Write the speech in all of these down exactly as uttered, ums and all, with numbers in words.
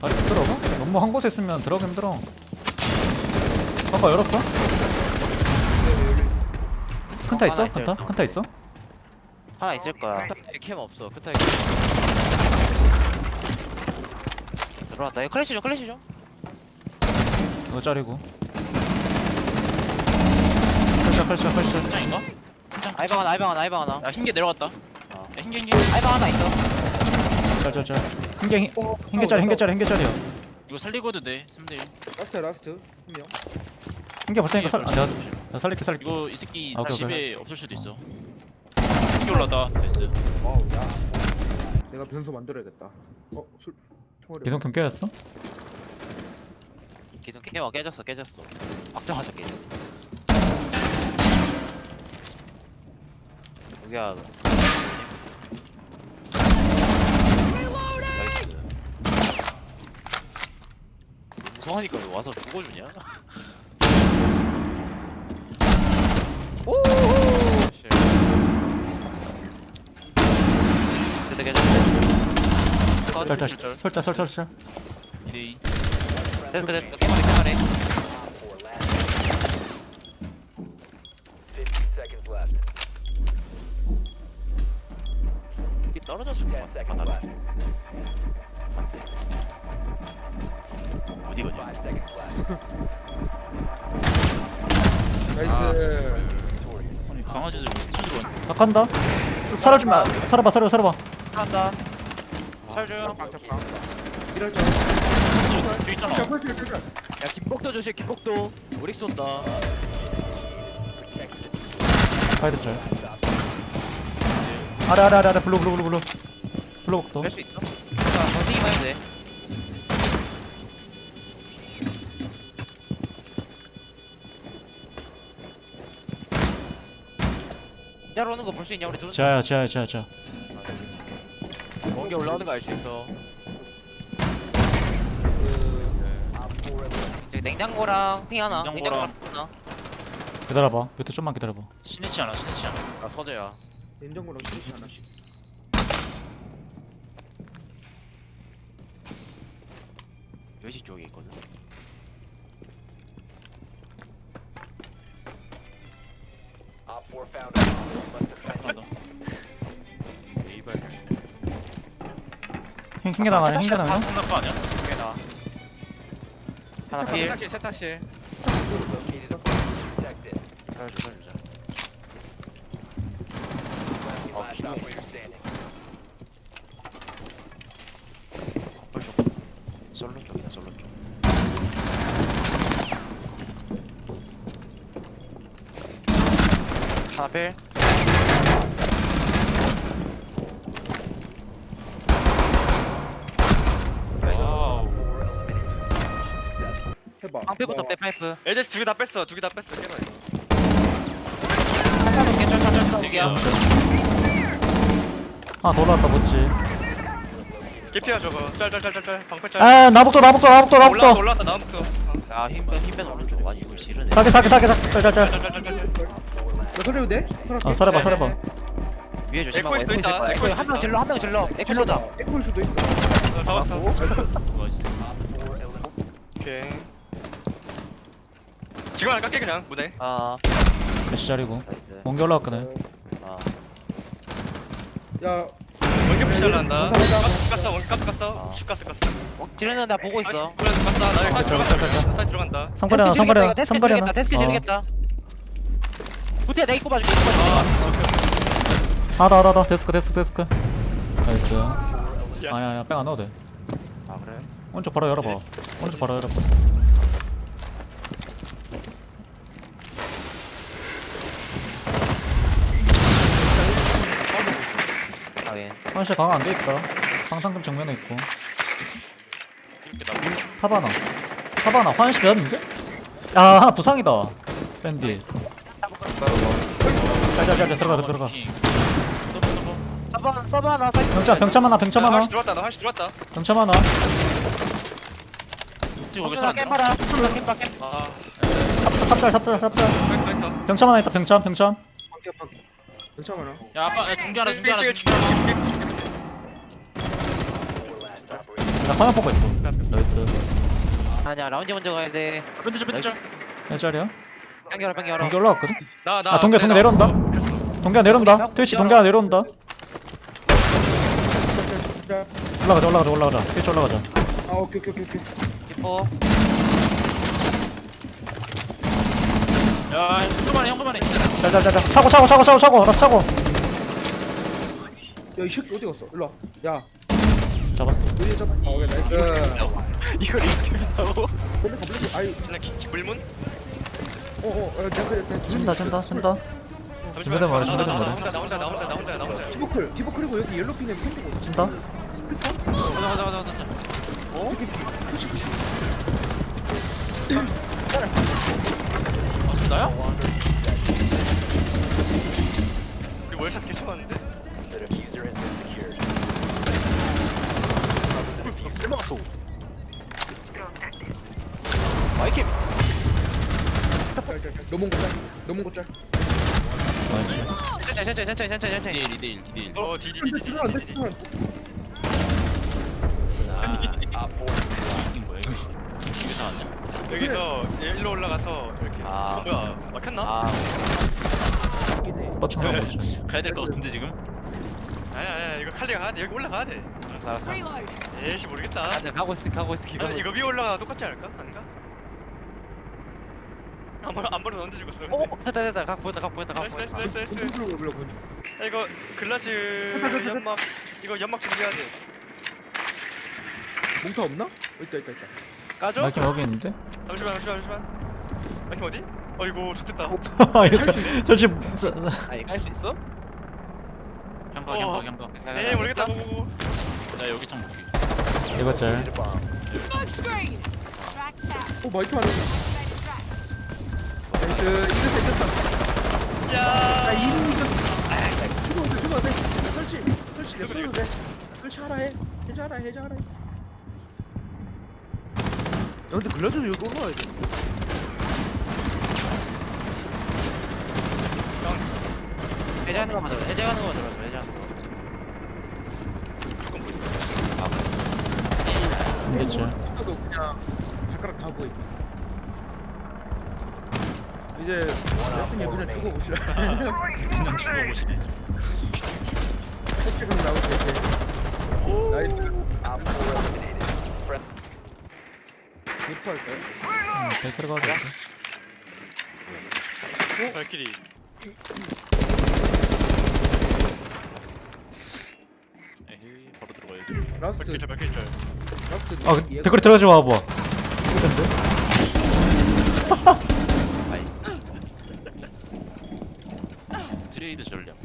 다리 못 들어가? 너무 한 곳에 있으면 들어가기 힘들어. 아까 열었어? 큰타 하나 있어? 있어요. 큰타? 큰타 있어? 하나 있을 거야. 끝에 캠 없어. 끝에 캠. 들어왔다. 이거 클래시 좀 클래시 좀. 이거 짜리고. 펄샷 펄샷 펄샷. 현장인가? 아이방 하나 아이방 하나 아이방 하나. 야 흰개 내려갔다. 어. 야 흰개 흰개. 아이방 하나 있어. 짤짤짤. 흰개 흰- 흰개 짜리 흰개 짜리 흰개 짜리야. 이거 살리고 해도 돼. 삼 대 일. 라스트 라스트 한 명. 흰개 볼 테니까 살. 아, 내가 내가 살릴게 살릴게. 이거 이 새끼 아, 오케이, 집에 없을 수도 있어. 흰개 올라다. 됐어. 와우 야. 내가 변소 만들어야겠다. 어 술. 총알이. 기둥 깨졌어? 기둥 깨워 깨졌어 깨졌어. 막정하자 깨. 여기야. 나이스. 무서워하니까 왜 와서 죽어주냐? 씨. 그때 깨졌어. 짤짤 설짤 설짤 설짤. 이 대 이. 됐어 됐어. 깨만해 깨만해. 이게 떨어졌을 것 같아. 바닥에. 어디 거냐? 나이스. 아니 강아지들 쳐들어. 나 간다. 서- 살아주마. 살아봐 살아봐 살아봐. 한다. 철중. 방짝방. 이럴 줄. 뒤 있잖아. 자 펄스 펄스. 야 김복도 조심. 김복도. 우리 쏜다. 가이드 짤. 아래 아래 아래 아래 블루 블루 블루 블루. 블루 복도. 뺄수 있어? 자, 버티기만 해도 돼. 야로 오는 거 볼 수 있냐 우리 둘? 자야 자야 자야 자. 먼게 올라오는 거 알 수 있어. 저기 냉장고랑 핑 하나. 냉장고랑. 하나. 기다려봐. 밑에 좀만 기다려봐. 신이치 않아 신이치 않아. 나 서재야. 냉장고랑 스위치 하나씩. 여시 쪽에 있거든. 한다. 이발. 흰 흰개 나가네 흰개 나가네. 상납 아니야? 두개 나. 하나 필. 세탁실 세탁실. 살려줘 살려줘. 아 기둥. 헐 쪽. 솔로 쪽이다 솔로 쪽. 하나 필. 와우. 해봐. 방패부터 빼 파이프. 엘데스 두 개 다 뺐어. 두 개 다 뺐어. 깨봐 이거. 쩔쩔 쩔쩔 쩔. 여기야. 하나 더 올라왔다 멋지. 깨피야 저거. 짤짤짤짤짤. 방패 짤. 아 나복도 나복도 나복도 올라왔다 나복도. 올라왔다 나무부터. 아 힘빼 힘빼 오른쪽. 아니 이걸 지르네. 사게 사게 사게 사게 짤짤짤. 짤짤짤짤. 나 소리도 돼? 어 살아봐 살아봐. 위에 조심하고. 에코일 수도 있다. 에코일 수도 한명 있다. 질러 한 명 질러. 에코다. 에코일 수도 있어. 어, 잡았어. 나이스. 오케이. 지금 안 깎게 그냥 무대. 아 몇시 자리고. 나이스. 몽개 올라왔거든. 아 야 원개 푸시 잘한다. 가자, 가자. 가스 깠어. 원개 가스 깠어. 슈 가스 깠어. 어, 지르는 나 보고 있어. 그래 깠다. 나 사이 들어가, 들어간다. 들어가. 사이 들어간다. 상거리 하나 상거리 하나 데스크 상거리 지르겠다. 하나. 데스크 어. 지르겠다. 부티야 내가 입고 봐줄게. 입고 아, 봐줄게. 오케이, 오케이. 하나 하나 하나 데스크 데스크 데스크. 나이스. 야. 아야 야 뺑 안 넣어도 돼. 아 그래? 오른쪽 바로 열어봐. 오른쪽 바로 열어봐. 아 예. 현실 강화 안 돼 있다. 상상금 정면에 있고. 이렇게 나오고. 타바나. 타바나 화장실 되었는데? 아 하나 부상이다. 밴디. 자자자자 들어가 들어가. 킹. 서버 서버. 서버 서버 하나 사이트. 병차 병차 하나 병차 나 하나 화시 들어왔다. 나 화시 들어왔다. 병차 하나. 뒤 거기서 안 들어. 캔 봐라. 캔 봐. 캔. 아, 삽살 삽살 삽살. 파이터 파이터. 병차 하나 있다 병차 병차. 방개 방개. 괜찮아. 야 아빠 야, 중계 하나 중계 하나 삐 중계 하나. 찍을 나 화면 보고 있어. 나이스. 아니야 라운지 먼저 가야 돼. 밴드 좀 밴드 좀. 몇 자리야? 당겨라 당겨라. 동계 올라왔거든? 나나 아, 동계, 동계 내려온다. 동계가 내려온다. 트위치 동계가 내려온다. 올라가자, 올라가자, 올라가자. 트위치 올라가자. 아 오케이 오케이 오케이 오케이. 기포. 야 형그만해 형그만해. 자자자자. 차고, 차고, 차고, 차고, 차고. 나 차고. 야이 새끼 어디 갔어? 일로 와. 야 잡았어. 여기 잡아. 아 오케이 나이스. 이걸 이렇게 한다고? 블랙 블랙. 아이 그냥 기- 기물문? 어어 내가 그래 내가 쏜다, 쏜다, 쏜다. 잠시만 준비된 말이야, 나, 나, 준비된 나, 나 말이야. 혼자 나 혼자 나 혼자 나 혼자 나 혼자 디버클 디버클이고 여기 옐로핀에 캔디고. 쏜다. 가자 가자 가자 가자. 푸시 푸시. 아 나야? 우리 월샷 개 쳐봤는데? 얼마갔어? 마이크. 넘은 거 짤. 넘은 거 짤. 나이스. 천천히 천천히 천천히 천천히 천천히. 이대 일 이대 일 이대 일. 어 디디디디 들어 안 돼. 들어 안 돼. 이게 뭐야 이거? 이게 나왔냐? 여기서 일로 올라가서 이렇게 아. 어, 뭐야 막혔나? 아 이네. 뻗쳐나온 거지. 가야 될 것 같은데 지금? 아니야 아니야 이거 칼리가 가야 돼 여기 올라가야 돼 알았어 알았어. 알았어. 에이씨 모르겠다 아, 네, 가고 있을게 가고 있을게. 가고 아니 이거 있을게. 위에 올라가 똑같지 않을까? 아닌가? 한번 한 번은 얹어 죽었어 어 어, 됐다 됐다. 각 보였다 각 보였다 각 나이스 보였다. 나이스 나이스 나이스 kontrol belum kunci. 야, 이거 글라즈 연막 이거 연막 준비해야 돼 몽타 없나? 어, 있다 있다 있다. 까줘? 마이킹 여기 있는데? 잠시만 잠시만 잠시만 마이킹 어디? 어이구 좋됐다 이거 저- 저 지금 저- 아니 갈 수 있어? 향가 어. 향가 향가. 에이 모르겠다 고고고 나 여기 좀 볼게. 이거 짤. Smoke screen! Track set. 어 마이크 안에. 나이스 이겼다 이겼다. 야 나 이름 이겼. 아 죽어도 돼 죽어도 돼. 설치 설치 내 써도 돼. 설치하라 해. 해자라 해자라. 야 근데 글라스 여기 올라와야 돼. 해제하는 거만 들어. 해제하는 거만 들어. 해제하는 거. 이게 짤. 나도 그냥 발가락 다 보이. 이제 레슨이 그냥 죽어보시라. 그냥 죽어보시네. 색깔은 나오지 이제. 나이스. 리프 할까요? 응, 댓글 가도 돼. 발길이 에이 바로 들어가야지. 라스트 발길 절 발길 절 라스트. 아, 그 댓글에 들어가지 마, 봐. 트레이드 전략.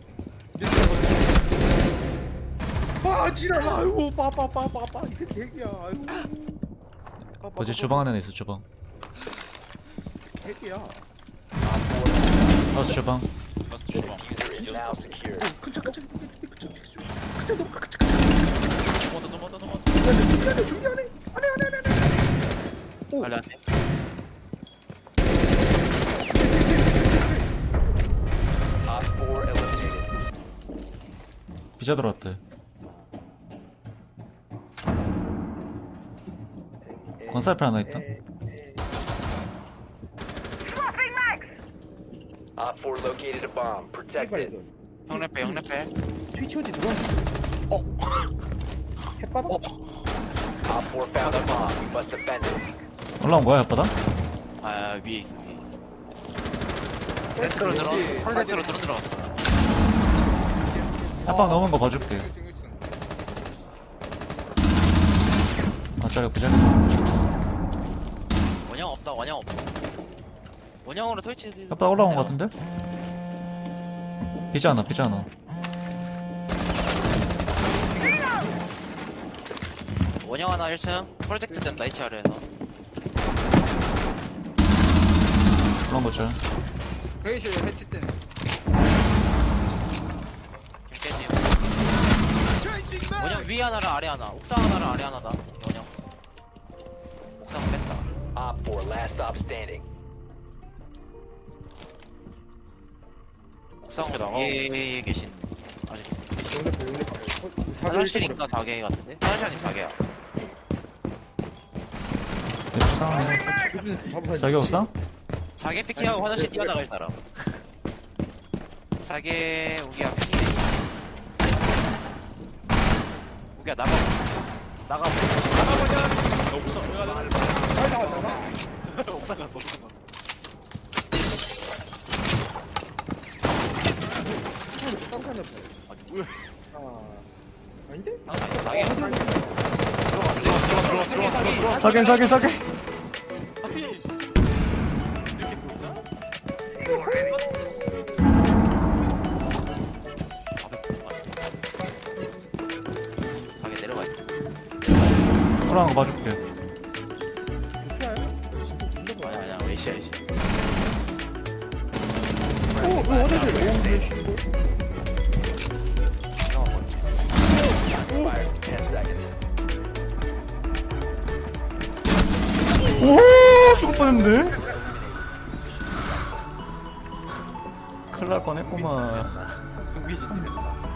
아 지랄 아이고 빠빠빠빠빠 이 새끼 핵이야 아이고. 어제 주방 안에 있어, 주방. 핵이야. 나스 주방. 라스트 주방. 큰차 큰차 큰차 큰차 너무 큰차 큰차. 넘어다 넘어다 넘어다. 준비하네 준비하네 안해 안해 안해 안해. 오 빨리 안 돼. 비자 들어왔대. 건살패 하나 있다. Op four located a bomb. Protect it. 형랩해 형랩해. 트위치 어디 누가? 어. 햇바닥? Op four found a bomb. You must defend it. 올라온 거야, 혓바닥? 아 위에 있어 위에 있어. 세트로 들어. 콜세트로 들어 들어갔어. 혓바닥 넘은 거 봐줄게. 아, 짜리 비자. 원형 없다 원형 없어. 원형으로 설치해서. 혓바닥 올라온 거 같은데? 비자 하나, 비자 하나. 원형 하나 일 층. 프로젝트 된다 이 층 아래에서. 올라온 거 짤. 회의실 해치된. 김깨님. 원형 위 하나랑 아래 하나. 옥상 하나랑 아래 하나다. 원형. 옥상 뺐다. Op four last stop standing. 옥상 위에 계신. 아직. 용lep해 용lep해. 화장실인가 사 개 같은데? 화장실 아니 사 개야. 옥상. 여기서 잡아야지. 저기 옥상? 사계 피킹하고 화장실 뛰어나갈 사람. 사계 우기야 피킹. 우기야 나가. 나가. 야, 옥상 왜 가냐? 빨리 나가 나가. 옥상 갔어. 옥상 갔어. 깜깜해. 아니 뭐야? 아 아닌데? 사계. 아, 들어가 들어가 들어가 들어가 들어가 들어가. 사긴 사긴 사긴. 하필. 이렇게 보이나? 사계 내려가 있어. 돌아간 거 봐줄게. 아니야 아니야 외시야 외시. 오, 오, 화장실. 오, 왜 씨, 이거. Fire. ten seconds. 오 죽을 뻔했는데. 큰일 날 뻔했구만. 우기 진짜.